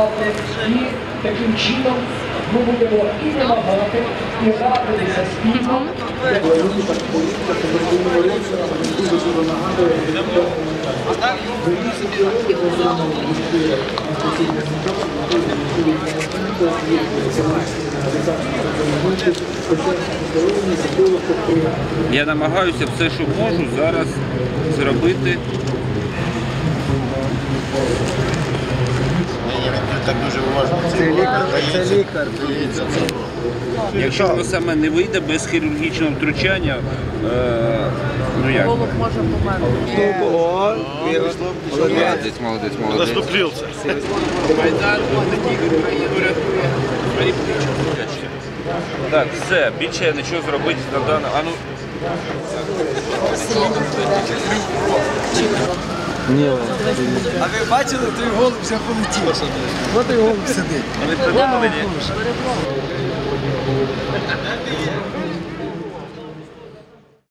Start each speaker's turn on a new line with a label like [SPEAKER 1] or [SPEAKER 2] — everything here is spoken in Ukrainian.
[SPEAKER 1] працювати. І таким чином ми будемо і вимагати, і радитися спільно.
[SPEAKER 2] Я намагаюся все, що можу, зараз зробити.
[SPEAKER 3] Так дуже уважно. Це лікар.
[SPEAKER 2] Якщо воно саме не вийде без хірургічного втручання, ну як?
[SPEAKER 4] Голуб може померти.
[SPEAKER 2] Молодець.
[SPEAKER 3] Заступився.
[SPEAKER 2] Майдан, Україну рятує. Так, все, більше я нічого зробити на даному. А ну.
[SPEAKER 5] А ви бачили, той голуб вже полетів. Ось той голуб сидить.
[SPEAKER 2] Ви придумали, ні?